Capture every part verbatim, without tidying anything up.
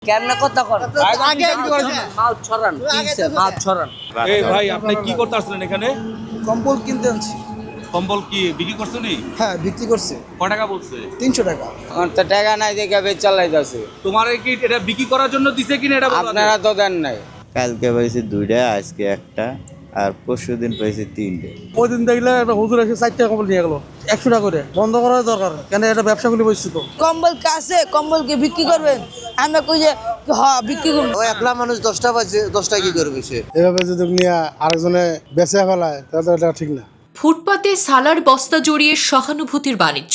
কেমনে কথা কর আগে কি করেছেন মাউথ ছড়ান কিসে মাউথ ছড়ান। এই ভাই আপনি কি করতে আসলেন এখানে? কম্বল কিনতে আনছি। কম্বল কি বিক্রি করছেন? হ্যাঁ বিক্রি করছে। কত টাকা বলছে? তিনশো টাকা। আমার তো টাকা নাই দেখে বেচ চালাইতেছে। তোমার কি এটা বিক্রি করার জন্য দিছে কিনা এটা বলো? আপনারা তো দেন নাই। কালকে পাইছি দুইটা, আজকে একটা, আর পরশু দিন পাইছি তিনটে। ওই দিন দেখলে একটা হুজুর এসে চার টাকা কম্বল নিয়ে গেলো একশো টাকা করে। বন্ধ করার দরকার, কেন এটা ব্যবসা খুলে বসছি তো। কম্বল কাছে কম্বলকে বিক্রি করবেন, আমরা কই যে হ্যাঁ বিক্রি করব। ও একলা মানুষ দশটা বাজে দশটা কি করবে সে? এভাবে যদি নিয়ে আরেকজনে বেঁচে ফেলায় তাহলে এটা ঠিক না। ফুটপাতে সালার বস্তা জড়িয়ে সহানুভূতির বাণিজ্য।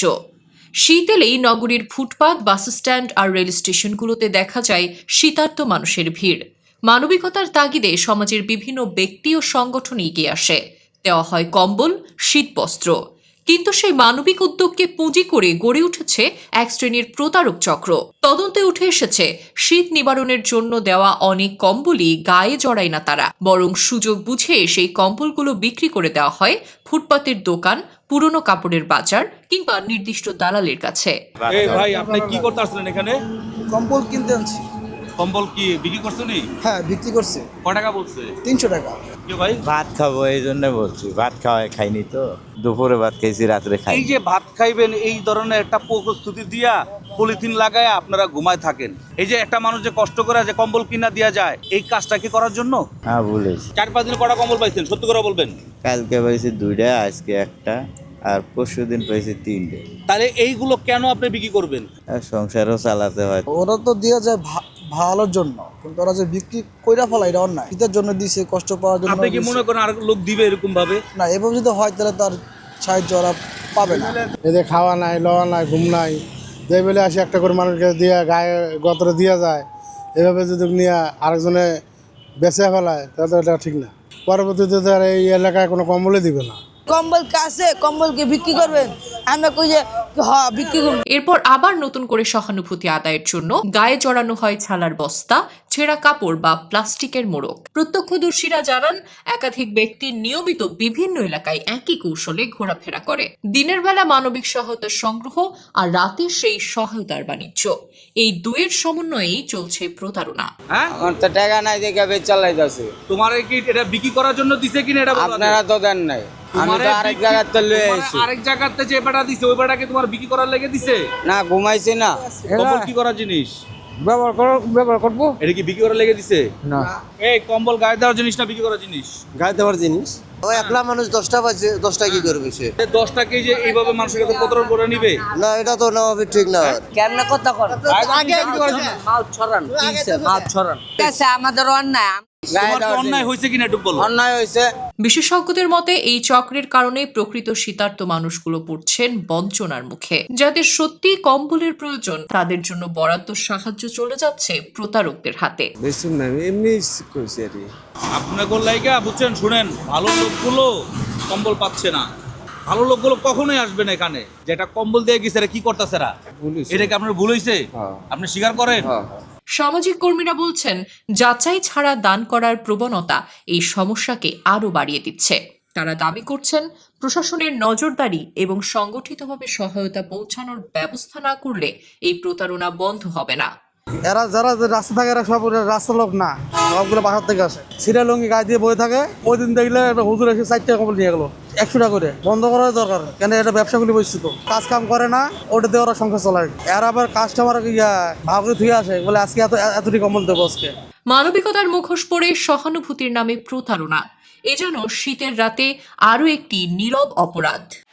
শীত এলেই নগরীর ফুটপাত, বাসস্ট্যান্ড আর রেল স্টেশনগুলোতে দেখা যায় শীতার্ত মানুষের ভিড়। মানবিকতার তাগিদে সমাজের বিভিন্ন ব্যক্তি ও সংগঠন এগিয়ে আসে, দেওয়া হয় কম্বল, শীতবস্ত্র। কিন্তু সেই মানবিক উদ্যোগকে পুঁজি করে গড়ে উঠেছে এক শ্রেণীর প্রতারক চক্র। তদন্তে উঠে এসেছে শীত নিবারণের জন্য দেওয়া অনেক কম্বলই গায়ে জড়ায় না তারা, বরং সুযোগ বুঝে সেই কম্বলগুলো বিক্রি করে দেওয়া হয় ফুটপাতের দোকান, পুরনো কাপড়ের বাজার কিংবা নির্দিষ্ট দালালের কাছে। এই ভাই আপনি কি করতে আসলেন এখানে? কম্বল কিনতে আনছি। কম্বল কি বিক্রি করছেন? হ্যাঁ বিক্রি করছে। কত টাকা বলছে? তিনশো টাকা। কি ভাই? ভাত খাবো এই জন্য বলছি, ভাত খাওয়াই খাইনি তো, দুপুরে ভাত খাইছি, রাত্রে খাই। এই যে ভাত খাইবেন এই ধরনের একটা প্রস্তুতি দিয়া পলিথিন লাগায় আপনারা ঘুমায় থাকেন, এই যে একটা মানুষ যে কষ্ট করে যে কম্বল কিনা দিয়া যায়, এই কাজটা কি করার জন্য? হ্যাঁ বলেছি। চার পাঁচ দিন কটা কম্বল পাইছেন সত্যি করে বলবেন? কালকে পাইছি দুইটা, আজকে একটা, আর পরশু দিন পাইছি তিনটে। তাহলে এইগুলো কেন আপনি বিক্রি করবেন? আর সংসারও চালাতে হয়। ওরা তো দিয়ে যায় ভা- ভালোর জন্য, কিন্তু ওরা যে বিক্রি কইরা ফেলা এটা অন্যায়। শীতের জন্য দিছে, কষ্ট পাওয়ার জন্য আপনি কি দিছে। মনে করেন আর লোক দিবে এরকম ভাবে? না, এভাবে যদি হয় তাহলে তার সাহায্য ওরা পাবে না। এদের খাওয়া নাই, লওয়া নাই, ঘুম নাই, যে বলে আসে একটা করে মানুষকে দিয়ে গায়ে গতরে দিয়ে যায়। এভাবে যদি নিয়ে আরেকজনে বেঁচে ফেলায় তাহলে এটা ঠিক না। পরবর্তীতে তার এই এলাকায় কোনো কম্বলই দিবে না। কম্বল কাছে কম্বলকে বিক্রি করবেন, আমরা কই যে হ্যাঁ বিক্রি করব। এরপর আবার নতুন করে সহানুভূতি আদায়ের জন্য গায়ে জড়ানো হয় ছালার বস্তা, ছেঁড়া কাপড় বা প্লাস্টিকের মোড়ক। প্রত্যক্ষদর্শীরা জানান, একাধিক ব্যক্তি নিয়মিত বিভিন্ন এলাকায় একই কৌশলে ঘোরাফেরা করে। দিনের বেলা মানবিক সহায়তার সংগ্রহ আর রাতে সেই সহায়তার বাণিজ্য, এই দুয়ের সমন্বয়েই চলছে প্রতারণা। হ্যাঁ, আমার তো টাকা নাই দেখে বেচ চালাইতেছে। তোমার কি এটা বিক্রি করার জন্য দিছে কিনা এটা বলো? আপনারা তো দেন নাই। আমি তো আরেক জায়গায় তো লয়ে আইছি। আরেক জায়গাতে যে বেটা দিছে ওই বেটাকে তোমার বিক্রি করার লেগে দিছে? না ঘুমাইছি না। কম্বল কি করার জিনিস? ব্যবহার করো, ব্যবহার করবো এটা কি বিক্রি করার লেগে দিছে? না, এই কম্বল গায়ে দেওয়ার জিনিস না বিক্রি করার জিনিস? গায়ে দেওয়ার জিনিস। ও একলা মানুষ দশটা বাজে দশটা কি করবে সে? এই দশটা কে যে এইভাবে মানুষের কাছে প্রতারণ করে নিবে? না, এটা তো না হবে, ঠিক না। কেমনে কথা কর আগে কি করেছেন? মাউথ ছড়ান কিসে মাউথ ছড়ান। কাছে আমাদের অন্যায়। তোমার কি অন্যায় হয়েছে কিনা একটু বলো। অন্যায় হয়েছে। বিশেষজ্ঞদের মতে এই চক্রের কারণে প্রকৃত শীতার্ত মানুষগুলো পড়ছেন বঞ্চনার মুখে। যাদের সত্যি কম্বলের প্রয়োজন তাদের জন্য বরাদ্দ সাহায্য চলে যাচ্ছে প্রতারকদের হাতে। বেশি না, এমনি কইছি আর কি। আপনাদের লাইগা বুঝছেন, শুনেন, ভালো লোকগুলো কম্বল পাচ্ছে না। ভালো লোকগুলো কখনোই আসবে না এখানে। যেটা কম্বল দিয়ে গেছে এরা কি করতেছে এরা? এটা কি আপনার ভুল হয়েছে? আপনি স্বীকার করেন? সামাজিক কর্মীরা বলছেন, যাচাই ছাড়া দান করার প্রবণতা এই সমস্যাকে আরও বাড়িয়ে দিচ্ছে। তারা দাবি করছেন, প্রশাসনের নজরদারি এবং সংগঠিতভাবে সহায়তা পৌঁছানোর ব্যবস্থা না করলে এই প্রতারণা বন্ধ হবে না। এরা যারা রাস্তা থাকে এরা সব রাস্তার লোক না, সবগুলো বাসার থেকে আসে। সিরা লঙ্গি গায়ে দিয়ে বয়ে থাকে। ওই দিন দেখলে একটা হুজুর এসে চার টাকা কম্বল নিয়ে গেলো একশো টাকা করে। বন্ধ করার দরকার, কেন এটা ব্যবসা খুলে বসছি তো। কাজ কাম করে না, ওটা দিয়ে ওরা সংসার চলায়। এরা আবার কাস্টমার ইয়া ভাব করে ধুয়ে আসে, বলে আজকে এত এতটি কম্বল দেবো আজকে। মানবিকতার মুখোশ পরে সহানুভূতির নামে প্রতারণা, এ যেন শীতের রাতে আরও একটি নীরব অপরাধ।